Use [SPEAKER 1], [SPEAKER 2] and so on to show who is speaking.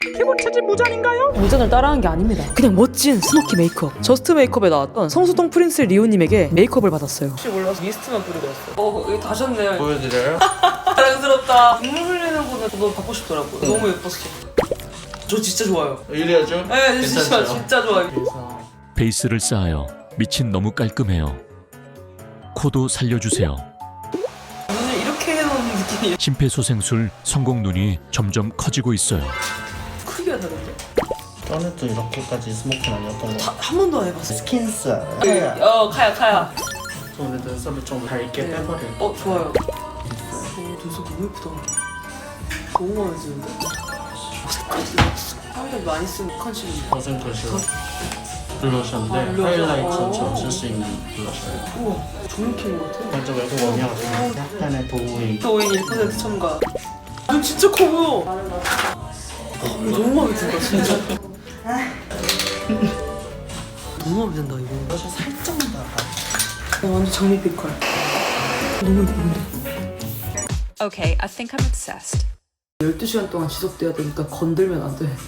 [SPEAKER 1] 피부 체질 무잔인가요?
[SPEAKER 2] 무전을 따라한 게 아닙니다. 그냥 멋진 스모키 메이크업. 저스트 메이크업에 나왔던 성수동 프린스 리오님에게 메이크업을 받았어요. 혹시 몰라서 미스트만 뿌리고 왔어요. 여기 다셨네요.
[SPEAKER 3] 보여드려요?
[SPEAKER 2] 자랑스럽다. 눈물 흘리는 거는 너무 받고 싶더라고요. 너무 예뻤어. 저 진짜 좋아요.
[SPEAKER 3] 이래야죠?
[SPEAKER 2] 네, 진짜 좋아요.
[SPEAKER 4] 베이스를 쌓아요. 밑은 너무 깔끔해요. 코도 살려주세요.
[SPEAKER 2] 눈을 이렇게 해놓은 느낌이
[SPEAKER 4] 심폐소생술 성공 눈이 점점 커지고 있어요.
[SPEAKER 2] 크기가 다른데?
[SPEAKER 3] 전에도 이렇게까지 스모키는 아니었던 거.
[SPEAKER 2] 한 번도 안 해봤어요.
[SPEAKER 3] 스킨스.
[SPEAKER 2] 카야.
[SPEAKER 3] 오늘 눈썹을 좀 밝게
[SPEAKER 2] 네.
[SPEAKER 3] 빼버려요.
[SPEAKER 2] 좋아요. 눈썹 너무 예쁘다. 너무 마음에 드는데? 사람들이 많이 쓰는 컨실러인데.
[SPEAKER 3] 버슨 컷이요. 블러셔인데
[SPEAKER 2] 블러셔.
[SPEAKER 3] 하이라이트처럼 쓸 수 있는 블러셔예요.
[SPEAKER 2] 우와, 조명킨 것 같아.
[SPEAKER 3] 먼저 외국 원이어서 약간의 도우이.
[SPEAKER 2] 오인 1% 첨가. 눈 진짜 커 보여. 너무 마음에 든다, 진짜. 너무 마음에 든다, 이거.
[SPEAKER 3] 블러셔 살짝만 더.
[SPEAKER 2] 완전 장미 빛깔. 너무 예쁜데?
[SPEAKER 5] Okay, I think I'm obsessed.
[SPEAKER 2] 12시간 동안 지속돼야 되니까 건들면 안 돼.